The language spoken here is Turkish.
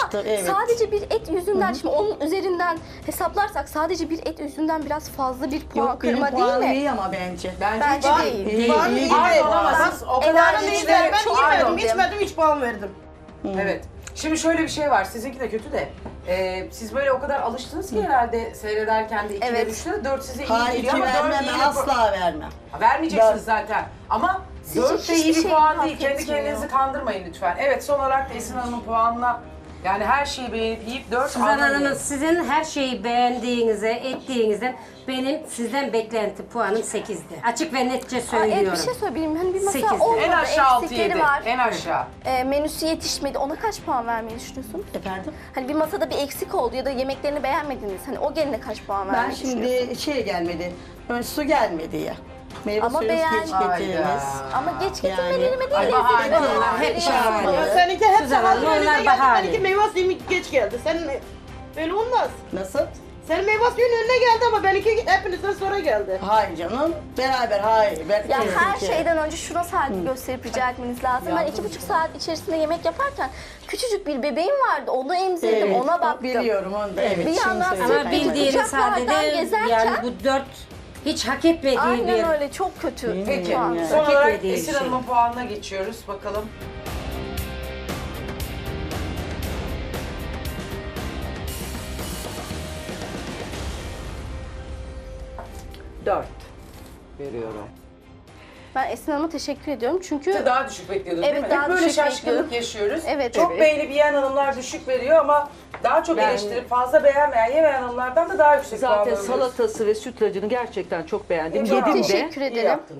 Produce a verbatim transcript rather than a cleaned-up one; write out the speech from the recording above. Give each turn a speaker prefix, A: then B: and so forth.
A: yaptı, evet.
B: sadece bir et yüzünden, şimdi onun üzerinden hesaplarsak sadece bir et yüzünden biraz fazla bir puan
A: Yok benim
B: kırma
A: puanım
B: değil mi?
A: iyi ama bence.
C: Bence,
B: Bence
C: hiç
B: değil.
A: İyi,
D: Var
A: iyi
D: mı?
A: gibi.
C: Pardon ama siz o kadar
B: Ela
D: Ben
C: içleri...
D: yemedim,
B: çok
D: ben yemedim,
B: beğendim.
D: içmedim, hiç puan verdim.
C: Evet. Şimdi şöyle bir şey var. Sizinki de kötü de. Ee, siz böyle o kadar alıştınız ki herhalde seyrederken de ikiler
B: Evet.
C: üçler. Dört size iyi
A: Hayır,
C: geliyor
A: iki
C: ama dört
A: vermem,
C: iyi bir
A: asla vermem.
C: puan. Vermeyeceksiniz
A: Dört.
C: zaten. Ama
B: Sizce
C: dört de iyi
B: hiçbir
C: bir
B: şey
C: puan
B: hak
C: değil. Kendi
B: etmiyor.
C: kendinizi kandırmayın lütfen. Evet, son olarak da Esin Hanım'ın puanına, yani her şeyi beğenip yiyip dört
E: Suzan Hanım'ın
C: anlamıyorum.
E: sizin her şeyi beğendiğinize, ettiğinizden benim sizden beklenti puanım sekizdi. Açık ve netçe
B: Aa,
E: söylüyorum.
B: evet, bir şey söyleyeyim. Hani bir masa
E: Sekizdi.
B: olmadı,
C: En aşağı altı
B: eksikleri
C: yedi.
B: var.
C: En aşağı.
B: E, menüsü yetişmedi. Ona kaç puan vermeyi düşünüyorsun?
A: Efendim?
B: Hani bir masada bir eksik oldu ya da yemeklerini beğenmediniz. Hani o geline kaç puan
A: Ben
B: vermeyi düşünüyorsun?
A: şimdi şey gelmedi, ön su gelmedi ya. Meyve
B: Ama
A: suyu
B: beğen-
A: geç
C: Hayda.
A: getirdiniz.
B: Ama geç
A: Yani-
B: getirmelerime değil,
C: Ay,
B: lezzetli
C: bahane.
B: olan
E: Hep
B: veriyorsun.
E: bahane.
D: Ama seninki hep
E: Suzan
D: hazır
E: Hanım,
D: önüne
E: onlar
D: geldi,
E: bahane.
D: benimki meyve suyum geç geldi. Senin böyle olmaz.
A: Nasıl?
D: Senin meyve suyun önüne geldi ama benimki hepinizden sonra geldi.
A: Hayır canım, beraber hayır. Ben
B: Ya her
A: kesinlikle-
B: şeyden önce şuna saygı gösterip rica etmeniz lazım. Ben iki buçuk saat içerisinde yemek yaparken küçücük bir bebeğim vardı. Onu emzirdim,
A: Evet,
B: ona baktım.
A: biliyorum onu da, evet.
B: Bir
A: şimdi
B: yandan
A: söyleyeyim.
E: Ama
B: Peki,
E: bildiğiniz
B: uçaklardan
E: halde de
B: gezerken-
E: yani bu dört hiç hak etmediği bir...
B: Aynen öyle, çok kötü.
C: Peki,
B: puan.
A: yani.
C: son
E: Hak
C: olarak
E: etmediği bir
C: Esin
E: şey.
C: Hanım'ın puanına geçiyoruz. Bakalım. Dört veriyorum.
B: Ben Esin Hanım'a teşekkür ediyorum çünkü
C: Siz daha düşük bekliyordunuz
B: Evet,
C: değil mi?
B: daha
C: Hep böyle
B: düşük
C: şaşkınlık
B: bekliyordum.
C: yaşıyoruz.
B: Evet,
C: Çok
B: evet.
C: beğenip yiyen hanımlar düşük veriyor ama daha çok
F: Ben-
C: eleştirip fazla beğenmeyen, yemeyen hanımlardan da daha yüksek puan
F: Zaten
C: alıyoruz.
F: salatası ve sütlacını gerçekten çok beğendim.
C: Çok
F: Yedim de.
B: teşekkür
C: İyi
B: ederim.
C: yaptınız.